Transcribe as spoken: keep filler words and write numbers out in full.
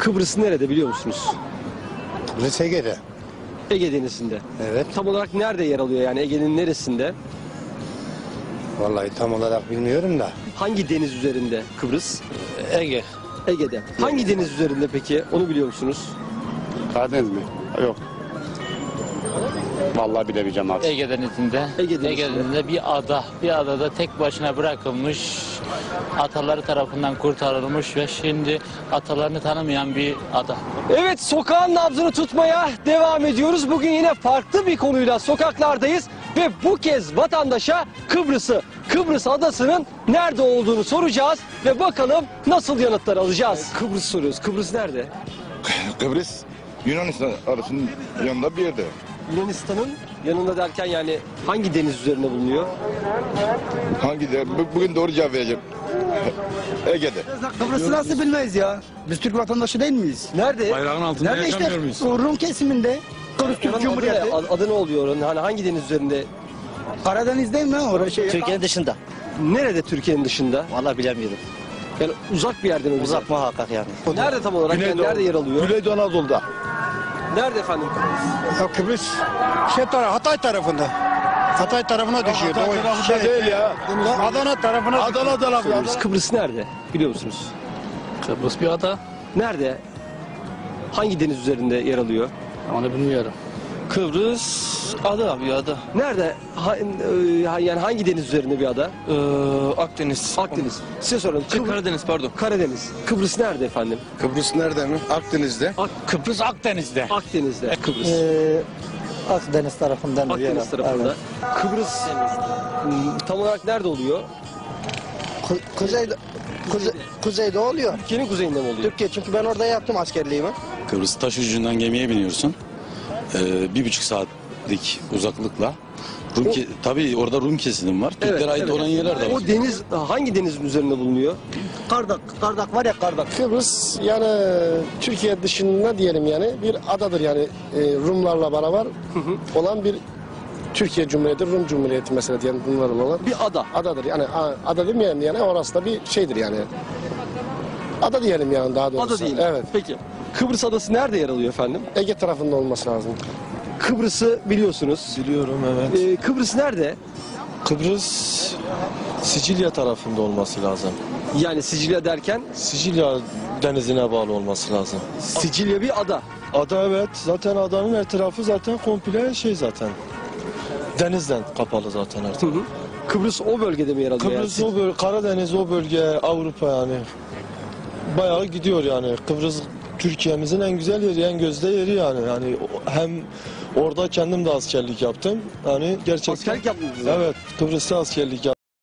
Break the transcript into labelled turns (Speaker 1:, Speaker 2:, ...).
Speaker 1: Kıbrıs nerede biliyor musunuz?
Speaker 2: Kıbrıs Ege'de.
Speaker 1: Ege Denizi'nde.
Speaker 2: Evet.
Speaker 1: Tam olarak nerede yer alıyor yani Ege'nin neresinde?
Speaker 2: Vallahi tam olarak bilmiyorum da.
Speaker 1: Hangi deniz üzerinde Kıbrıs?
Speaker 3: Ege.
Speaker 1: Ege'de. Hangi deniz üzerinde peki? Onu biliyor musunuz?
Speaker 4: Karadeniz mi? Yok. Vallahi bilemeyeceğim abi.
Speaker 3: Ege Denizi'nde.
Speaker 1: Ege Denizi'nde.
Speaker 3: Ege Denizi'nde bir ada. Bir adada tek başına bırakılmış. Ataları tarafından kurtarılmış ve şimdi atalarını tanımayan bir ada.
Speaker 1: Evet, sokağın nabzını tutmaya devam ediyoruz. Bugün yine farklı bir konuyla sokaklardayız ve bu kez vatandaşa Kıbrıs'ı, Kıbrıs adasının nerede olduğunu soracağız ve bakalım nasıl yanıtlar alacağız. Kıbrıs soruyoruz. Kıbrıs nerede?
Speaker 5: Kıbrıs Yunanistan arasının yanında bir yerde.
Speaker 1: Yunanistan'ın yanında derken yani hangi deniz üzerinde bulunuyor?
Speaker 5: Hangi de bu- bugün doğru cevap vereceğim. Ege'de.
Speaker 6: Kıbrıs'ı nasıl bilmeyiz ya? Biz Türk vatandaşı değil miyiz?
Speaker 1: Nerede?
Speaker 7: Bayrağın altında
Speaker 6: Nerede işte?
Speaker 7: yaşamıyor muyuz?
Speaker 6: O Rum kesiminde. Kıbrıs Türk
Speaker 1: Oranın adı
Speaker 6: Cumhuriyeti.
Speaker 1: ne? Ad- Adı ne oluyor oranın? Hani hangi deniz üzerinde?
Speaker 6: Karadeniz değil mi? Orası şey.
Speaker 8: Türkiye'nin dışında.
Speaker 1: Nerede Türkiye'nin dışında?
Speaker 8: Vallahi bilemiyorum.
Speaker 1: Yani uzak bir yerden öyle.
Speaker 8: Uzak muhakkak yani.
Speaker 1: Nerede tam olarak? Yani nerede yer alıyor?
Speaker 2: Güneydoğu Anadolu'da.
Speaker 1: Nerede efendim?
Speaker 6: Ya Kıbrıs şey taraf, Hatay tarafında. Hatay tarafına düşüyor.
Speaker 2: Hatay
Speaker 6: O
Speaker 2: tarafında değil ya.
Speaker 6: Adana tarafına.
Speaker 2: Adana tarafı.
Speaker 1: Kıbrıs, Kıbrıs nerede? Biliyor musunuz?
Speaker 3: Kıbrıs bir ada.
Speaker 1: Nerede? Hangi deniz üzerinde yer alıyor?
Speaker 3: Onu bilmiyorum.
Speaker 9: Kıbrıs ada bir ada.
Speaker 1: Nerede? Ha- e, yani hangi deniz üzerinde bir ada?
Speaker 9: Ee, Akdeniz.
Speaker 1: Akdeniz. Size soralım.
Speaker 9: Şey,
Speaker 1: Kıbr-
Speaker 9: Karadeniz pardon.
Speaker 1: Karadeniz. Kıbrıs nerede efendim?
Speaker 2: Kıbrıs nerede mi? Akdeniz'de.
Speaker 1: Ak-
Speaker 3: Kıbrıs Akdeniz'de.
Speaker 1: Akdeniz'de. Kıbrıs.
Speaker 6: Ee, Akdeniz tarafından.
Speaker 1: Akdeniz tarafında. Kıbrıs m, tam olarak nerede oluyor?
Speaker 6: Kuzeyde, kuze, kuzeyde oluyor.
Speaker 1: Türkiye'nin kuzeyinde mi oluyor?
Speaker 6: Türkiye çünkü ben orada yaptım askerliğimi.
Speaker 7: Kıbrıs taş ucundan gemiye biniyorsun. Ee, bir buçuk saatlik uzaklıkla. Rum ke- tabii orada Rum kesim var. Türklere ait olan yerler de var.
Speaker 1: O deniz hangi denizin üzerinde bulunuyor?
Speaker 6: Kardak, Kardak var ya Kardak.
Speaker 10: Kıbrıs yani Türkiye dışında diyelim yani bir adadır yani e, Rumlarla beraber olan bir Türkiye Cumhuriyeti, Rum Cumhuriyeti mesela diyelim bunların olan
Speaker 1: Bir ada.
Speaker 10: adadır. Yani a- ada demeyelim yani orası da bir şeydir yani. Ada diyelim yani daha doğrusu.
Speaker 1: Ada değil.
Speaker 10: Evet.
Speaker 1: Peki. Kıbrıs adası nerede yer alıyor efendim?
Speaker 10: Ege tarafında olması lazım.
Speaker 1: Kıbrıs'ı biliyorsunuz.
Speaker 11: Biliyorum evet.
Speaker 1: Ee, Kıbrıs nerede?
Speaker 11: Kıbrıs Sicilya tarafında olması lazım.
Speaker 1: Yani Sicilya derken
Speaker 11: Sicilya denizine bağlı olması lazım.
Speaker 1: Sicilya bir ada.
Speaker 11: Ada evet. Zaten adanın etrafı zaten komple şey zaten. Denizden kapalı zaten artık.
Speaker 1: Hı hı. Kıbrıs o bölgede mi yer alıyor?
Speaker 11: Kıbrıs
Speaker 1: yani?
Speaker 11: o bölge, Karadeniz o bölge, Avrupa yani. Bayağı gidiyor yani. Kıbrıs Türkiye'mizin en güzel yeri, en gözde yeri yani. Yani o- hem orada kendim de askerlik yaptım. Yani gerçekten.
Speaker 1: Askerlik yaptınız mı?
Speaker 11: Evet, Kıbrıs'ta askerlik yaptım.